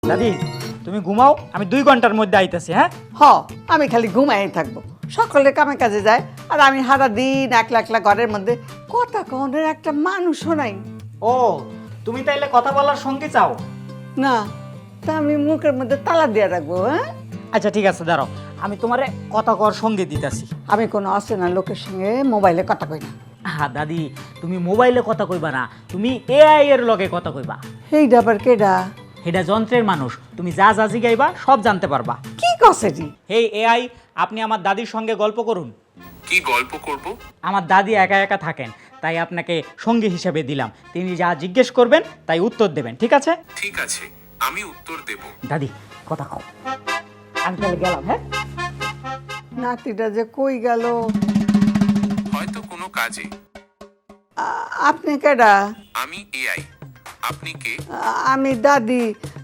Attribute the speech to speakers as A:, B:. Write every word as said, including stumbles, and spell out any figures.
A: দাদি তুমি ঘুমাও, আমি দুই ঘন্টার মধ্যে আইতেছি। হ্যাঁ
B: হ আমি খালি ঘুমাই থাকবো, সকলে কামে কাজে যায় আর আমি সারা দিন একলা একলা ঘরের মধ্যে কথা কনের একটা মানুষও নাই।
A: ও তুমি তাইলে কথা বলার সঙ্গে চাও?
B: না তা আমি মুখের মধ্যে তালা দিয়ে রাখবো। হ্যাঁ
A: আচ্ছা ঠিক আছে, দাঁড়াও আমি তোমারে কথা কর সঙ্গে দিতেছি।
B: আমি কোনো অচেনা লোকের সঙ্গে মোবাইলে কথা কই না।
A: হ্যাঁ দাদি, তুমি মোবাইলে কথা কইবা না, তুমি এআই এর লগে কথা কইবা।
B: এই ডাবার কেডা?
A: এটা যন্ত্রের মানুষ, তুমি যা যা জিগাইবা সব জানতে পারবা।
B: কি কসেটি?
A: হেই এআই, আপনি আমার দাদির সঙ্গে গল্প করুন।
C: কি গল্প করব?
A: আমার দাদি একা একা থাকেন, তাই আপনাকে সঙ্গী হিসেবে দিলাম। তিনি যা জিজ্ঞেস করবেন তাই উত্তর দেবেন, ঠিক আছে?
C: ঠিক আছে, আমি উত্তর দেব।
A: দাদি কথা কও। আমি তাহলে গেলাম। হ্যাঁ
B: নাতিটা যে কই গেল?
C: হয়তো কোনো কাজে।
B: আ- আপনি কেডা?
C: আমি এআই, আপনি কে?
B: আ- আমি দাদি।